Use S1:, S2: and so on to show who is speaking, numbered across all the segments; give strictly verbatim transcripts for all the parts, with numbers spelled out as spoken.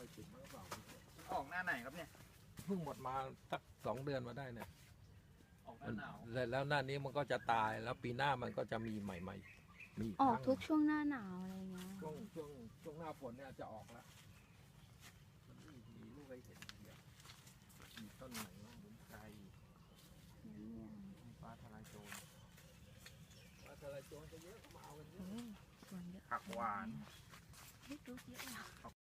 S1: อยติดมันก็เปล่า
S2: ออกหน้าไหนครับเนี่ย
S1: เพิ่งหมดมาสักสองเดือนมาได้เนี่ย
S2: ออกหน้าหนาว
S1: แล้วแล้วหน้านี้มันก็จะตายแล้วปีหน้ามันก็จะมีใหม่ๆมี
S3: ออก
S1: ครั้ง
S3: ทุกช่วงหน้าหนาวอะไรเงี้ย
S1: ช่วงช่วงช่วงหน้าฝนเนี่ยจะออกแล้วมันมีมีลูกให้เห็นเดียวมีต้นไหนบ้างหมุนไก่ฟ้าทลายโจรฟ้าทลายโจรจะเยอะก็มาเอากันเย
S3: โอ้
S1: อะ
S3: สวนเยอะ
S2: ผักหวาน
S3: เฮ้ยดูเยอะเลยอะ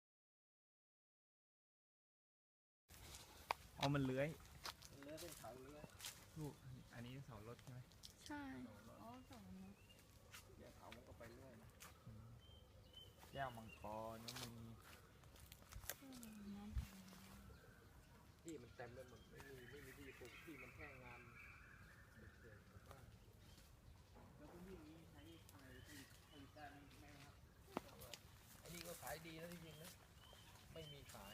S2: เอามันเลื้อย
S1: เลื้อยเป็นเขาเลื้อย
S2: ลูกอันนี้เสารถใช่ไหม
S3: ใช่อ๋อสวนเนอะ
S1: เดี๋ยวเขามันก็ไปเรื่อยนะ
S2: แก้วมังกรน้ำมี
S3: อืมน้
S1: ที่มันเต็มไปหมดไม่มีไม่มีที่ปลูกที่มันแค่งานเด็กๆบ้าน
S2: แล้วพื้นที่นี้ใช้อะไรผลิตผลิตได้ไหมครับ
S1: อันนี้ก็ขายดีนะจริงๆนะไม่มีขาย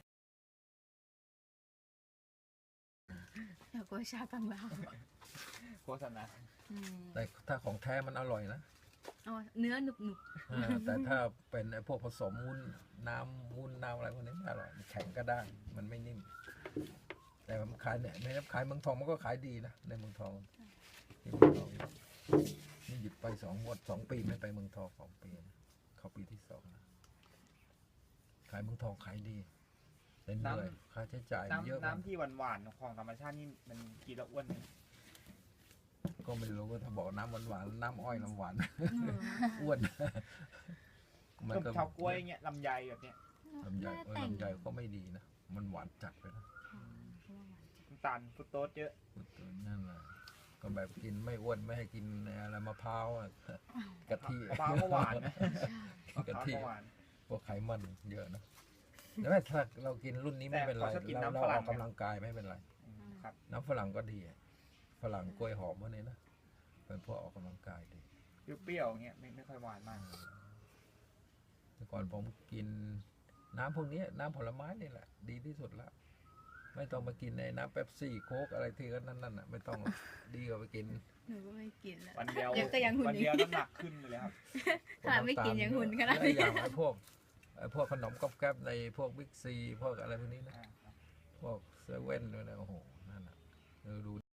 S3: ำอยากโกชากังลาว
S2: โฆษณา
S3: อืม
S1: แต่ถ้าของแท้มันอร่อยนะ
S3: เอาเนื้อหนุบหนุบ
S1: เออแต่ถ้าเป็นไอ้พวกผสมวุ้นน้ำวุ้นน้ำอะไรพวกนี้ไม่อร่อยมันแข็งก็ได้ มันไม่นิ่ม แต่มันขายเนี่ยในขายเมืองทองมันก็ขายดีนะในเมืองทองที่เมืองทองนี่หยุดไปสองงวดสองปีไม่ไปเมืองทองสองปีนะเข้าปีที่สองนะขายเมืองทองขายดีแต่เหนื่อยค่าใช้จ่ายเยอะ
S2: น้ำ
S1: มาก
S2: น้ำที่หวานหวานๆของธรรมชาตินี่มันกินแล้วอ้วนไหม
S1: ก็ไม่รู้ว่าถ้าบอกน้ำหวานๆน้ำอ้อยน้ำหวาน
S3: อืม
S1: อ้วน มัน
S2: ก็
S1: ก็
S2: ชาวกล้วยเงี้ยลำไยแบบเนี้ย
S1: ลำไย
S3: แม่
S1: เออ
S3: แต่ง
S1: ลำไยก็ไม่ดีนะมันหวานจัดไปนะ
S3: ค่ะเพราะว่าหวานจัด
S2: น้ำตาลฟรุตโตสเยอะ
S1: นั่นแหละก็แบบกินไม่อ้วนไม่ให้กินอะไรมะพร้าวอะกะทิ
S2: มะพร้าวก็หวานนะมะพ
S1: กะ
S2: ร้าว
S1: ทิ
S2: ก็หวาน
S1: พวกไขมันเยอะนะแต่ว่าถ้าเรากินรุ่นนี้ไม่เป็นไร
S2: แต่เขาชอบกิน
S1: เรา
S2: น้ำ
S1: เรา
S2: ฝรั่
S1: อง อกกำลังกายไม่เป็นไร
S2: อืมครับ
S1: น้ำฝรั่งก็ดีอะฝรั่งกล้วยหอมพวกนี้นะเป็นพวกออกกำลังกายดี
S2: เปรี้ยวๆเงี้ยไม่ไม่ค่อยหวานมาก
S1: แต่ก่อนผมกินน้ำพวกนี้น้ำผลไม้นี่แหละ ดีที่สุดละไม่ต้องมากินในน้ำเป๊ปซี่โค้กอะไรที่ก็นั่นน่ะไม่ต้องหรอกดีกว่าไปกิน
S3: หนูก็ไม่กินแล้ว
S2: วันเดียว
S3: ยังก็ยังหุ่น
S2: วัน
S3: อยู่
S2: เดียวน้ำหนักขึ้นเลยครับ
S3: ขนาดไม่กินยังหุ่นขนาด
S1: แล้ว
S3: นี้
S1: อย่างไอ้พวกไอ้พวกขนมก๊อบแก๊บในพวกบิ๊กซีพวกอะไรพวกนี้นะ
S2: อ่าครับ
S1: พวกเซเว่นด้วยนะโอ้โหนั่นน่ะเออดู